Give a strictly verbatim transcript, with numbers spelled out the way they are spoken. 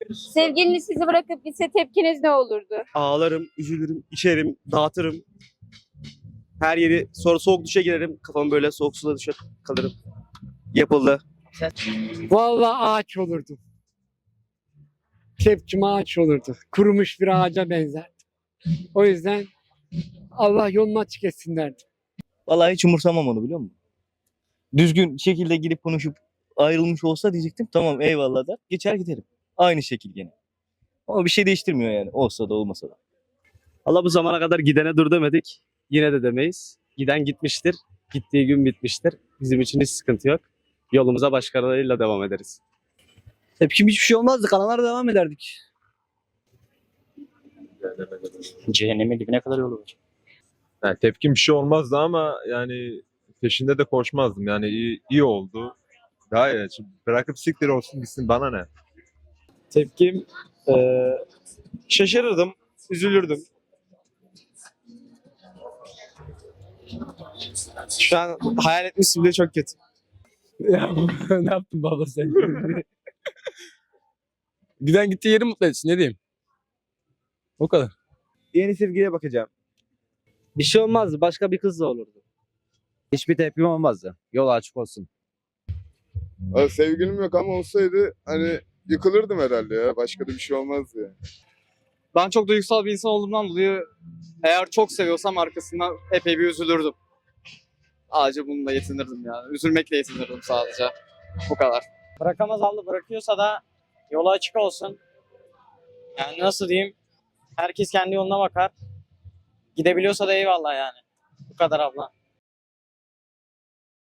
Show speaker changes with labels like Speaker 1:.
Speaker 1: Sevgiliniz sizi bırakıp gitse tepkiniz ne olurdu?
Speaker 2: Ağlarım, üzülürüm, içerim, dağıtırım. Her yeri sonra soğuk duşa girerim. Kafamı böyle soğuk suda duşa kalırım. Yapıldı.
Speaker 3: Vallahi ağaç olurdu. Tepkim ağaç olurdu. Kurumuş bir ağaca benzerdi. O yüzden Allah yolunu açık etsin derdim.
Speaker 4: Vallahi hiç umursamam onu, biliyor musun? Düzgün şekilde gidip konuşup ayrılmış olsa diyecektim tamam eyvallah der. Geçer giderim. Aynı şekil gene. Ama bir şey değiştirmiyor yani. Olsa da olmasa da.
Speaker 2: Allah bu zamana kadar gidene dur demedik. Yine de demeyiz. Giden gitmiştir. Gittiği gün bitmiştir. Bizim için hiç sıkıntı yok. Yolumuza başkalarıyla devam ederiz.
Speaker 5: Tepkim hiçbir şey olmazdı. Kanallara devam ederdik.
Speaker 6: Cehenneme dibine kadar yolu var.
Speaker 7: Yani tepkim bir şey olmazdı ama yani peşinde de koşmazdım. Yani iyi, iyi oldu. Daha iyi. Şimdi bırakıp siktir olsun gitsin, bana ne?
Speaker 2: Tepkim eee, şaşırırdım, üzülürdüm. Şu an hayal etmişsin bile çok kötü.
Speaker 8: Ne yaptın baba sen? Giden gittiği yeri mutlu etsin, ne diyeyim? O kadar.
Speaker 9: Yeni sevgiliye bakacağım.
Speaker 5: Bir şey olmazdı. Başka bir kız da olurdu.
Speaker 9: Hiçbir tepkim olmazdı. Yol açık olsun.
Speaker 10: Abi sevgilim yok ama olsaydı hani yıkılırdım herhalde ya. Başka da bir şey olmazdı yani.
Speaker 11: Ben çok duygusal bir insan olduğumdan dolayı eğer çok seviyorsam arkasından epey bir üzülürdüm. Sadece bununla yetinirdim yani. Üzülmekle yetinirdim sadece. Bu kadar.
Speaker 6: Bırakamaz abla, bırakıyorsa da yolu açık olsun. Yani nasıl diyeyim? Herkes kendi yoluna bakar. Gidebiliyorsa da eyvallah yani. Bu kadar abla.